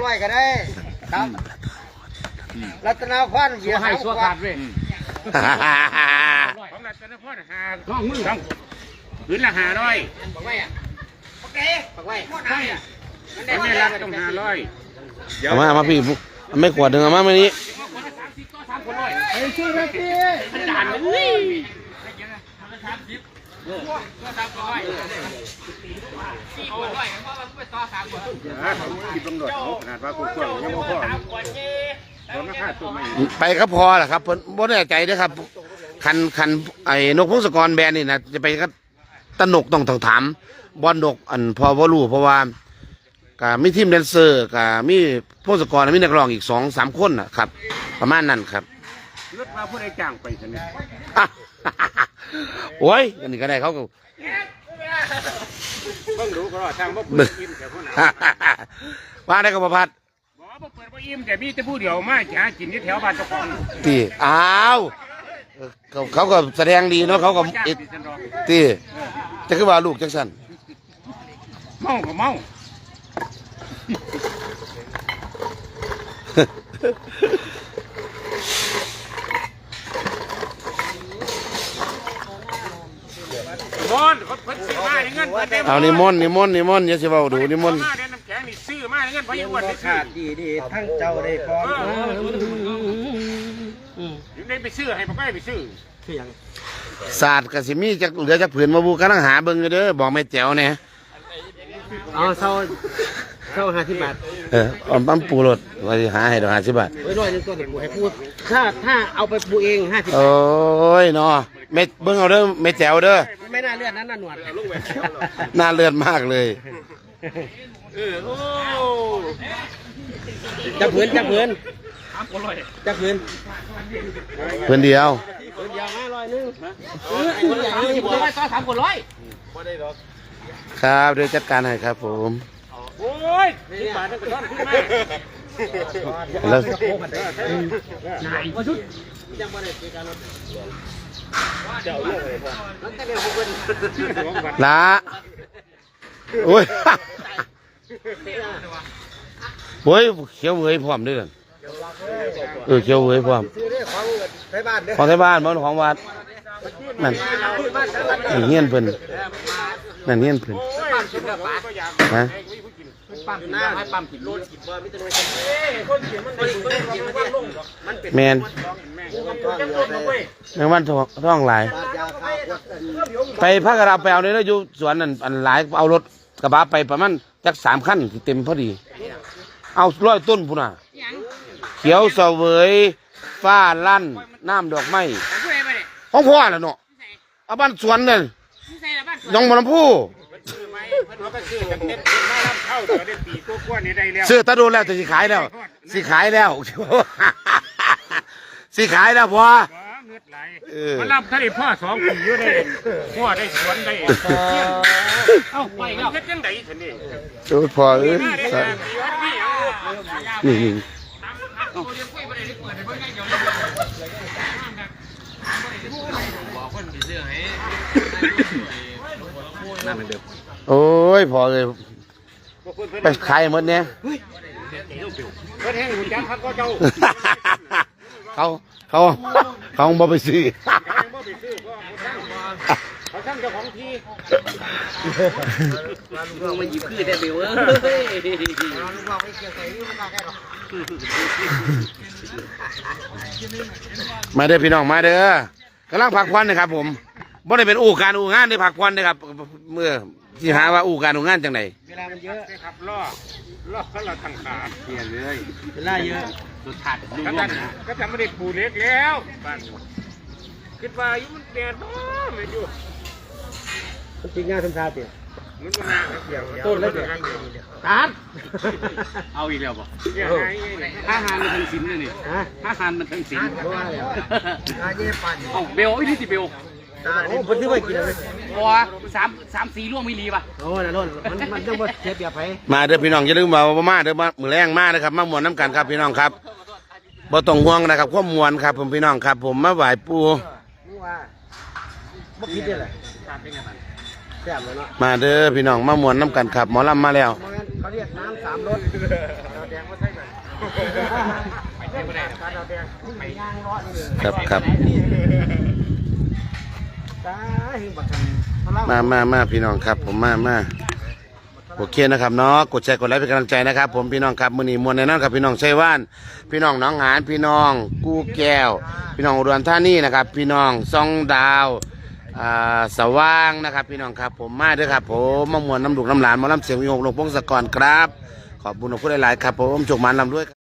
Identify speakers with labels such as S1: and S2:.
S1: 500ก็ได้ครับรัตนาพรเสียให้สัวขาดเว้ย
S2: ของรัตนาพร5มือต้องพื้นละ500ปักไว้อ่ะโอเคปักไว้ไม่รับต้อง500
S3: มาพี่ไม่ขวดหนึ่งมาไม่นี้
S1: ไอ้ชื่อนะพี่
S2: ด่านเลย
S3: ไปก็พอแหละครับบ่แน่ใจด้วยครับคันไอ้นกพงศกรแบรนด์นี่นะจะไปก็ตนกต้องถามบอลนกอันพอว่ารู้เพราะว่าก็มีทีมแดนเซอร์ก็มีพงศกรมีนักร้องอีก2-3คนนะครับประมาณนั้นครับ
S2: รถมาผู้ใดจ้างไปใช่ไหม
S3: โอ้ยอันนี้ก็ได้เขาก็
S2: เพิ่งรู้เพราะว่าทางบ่เปิดอิ่มแต่คน
S3: ว่าได้ก็ประพัด
S2: บ่เปิดบ่อิ่มแต่มีแต่ผู้เดียวมาหากินที่แถวบ้านเจ้าของ
S3: ตีอ้าวเขาก็แสดงดีเนาะเขาก็ตีจะคือว่าลูกจังสัน
S2: เมาก็เมา
S3: เอานิมนต์อย่าสิเว้าดูนิมนต์
S2: ซื้อมาเงินพยาบาล
S1: ขาดดีทั้งเจ้าได้พร้อม
S2: ได้ไปซื้อให้ไปซื้อ
S3: ศาสตร์กสิมีจะเหลือจากผืนมาบูกำลังหาเบิ่งเด้อบอกไม่แจ๋วเนี่ย
S1: เอาเศร้า50 บาท
S3: ปั๊มปูรถว่าหาให้ดอก50 บาท
S1: ไว้ร้อยนึงตัวเดี๋ยวให้พูดถ้าเอาไปปูเอง50 บาท
S3: โอ้ยเนาะเม็ดเบิ่งเอาเด้อเม็ดแจ๋วเด้อ
S1: ไม่น่าเลือดนั้นน่ะหนวด
S3: น่าเลือดมากเลย
S2: โอ้
S1: จับผืน
S3: เพื่อนเดียว
S1: 500นึงไว้ต่อ3คน100บ่ได้ดอก
S3: ครับเดี๋ยวจัดการให้ครับผม
S2: โอ้ย10 บาทนั่นก็ต้อนขึ้นมา
S3: แล้ว
S1: นายบ่ชุดยังบ่ได้การรถเจ้าลูกเลยพ่อมันแต่เดี๋ยวเพิ่น
S3: ละโอ้ยโอ้ยเขียวเว้ยพร้อมด้วยกันเขียวเว้ยพร้อมของไทยบ้านมันของวัดนั่นเฮียนเพิ่นนั่นเฮียนเพิ่นฮะแมนแมงวันท้องหลายไปพักกระดาไปเอาเนี่ยแล้วอยู่สวนนั่นอันหลายเอารถกระบะไปประมาณจัก3 คันเต็มพอดีเอา100 ต้นพุ่นน่ะเขียวเสวยฟ้าลั่นน้ำดอกไม้ของพ่อแหละเนาะเอาบ้านสวนเลยน้องมะลำพูซื้อตะดูแล้วจะสิขายแล้วสิขายแล้วพอ
S2: มารับถ้าได้พ่อ2 ปีอยู่ได้พ่อได้สวนได้เอ้าไปแล้วเฮ็ดจังได๋ซั่นนี่
S3: โอ้พอนี่โอ้ยพอเลยไปขายหมดเนี่ยเขาบ่ไปซื้อ
S2: เขาช่างเจ้าของที่
S1: ลูกมาหยิบคือแต่เบลลูกบอกไม่เกี่ยวใส่ลูกมาแค่หรอก
S3: มาเด้อพี่น้องมาเด้อกำลังพักผ่อนนะครับผมบ่ได้เป็นอู่การอู่งานได้พักผ่อนนะครับเมื่อที่หาว่าอู่การอู่งานจังไหน
S1: เวลามันเยอะ
S2: ครับล่อเขาเราทางขาเปลี่ยนเลย
S1: เวลาเยอะ
S2: สุดท้ายก็ทำไม่ได้ปูเล็กแล้วบ้านคิดว่าอยู่มันแดดไม่อยู่
S1: จริงงานทำชาเตี๋ย
S2: มันมาเกี่ยว
S1: ต้นแล้วเดี๋ยวตัด
S2: เอาอีกแล้วป่ะถ้าหานมันทั้งสินเลยนี่ถ้าหานมันทั้งสินเบลวิธีเบล
S1: โอ้คนที่ไม่กินเลย
S2: บัว3-4 ร่วงไม่รีป่ะ
S1: โอ้นั่นมันต้องมาเสียเปรียบไป
S3: มาเด้อพี่น้องอย่าลืมมาเด้อมือแรงมากนะครับมามวนน้ำกันครับพี่น้องครับบ่ต้องห่วงนะครับข้อมวลครับผมพี่น้องครับผมมาไหว้ปู่
S1: บ่คิดได้เลย
S3: มาเด้อพี่น้องมามวนน้ำกันครับหมอลำมาแล้ว
S1: เขาเรียกน้ำ3 รส
S3: ครับครับ มาพี่น้องครับผมมาโอเคนะครับเนาะกดแชร์กดไลค์เป็นกำลังใจนะครับผมพี่น้องครับมื้อนี้มวลแน่นอนครับพี่น้องชัยว่านพี่น้องหนองหานพี่น้องกู้แก้วพี่น้องอุดรธานีนะครับพี่น้องซ่องดาวสว่างนะครับพี่น้องครับผมมาด้วยครับผมมามวลน้ำดุกน้ำหลานมาล้ำเสียงวิหกหลวงพงศกรครับขอบคุณทุกคนหลายๆครับผมโชคมันลำด้วย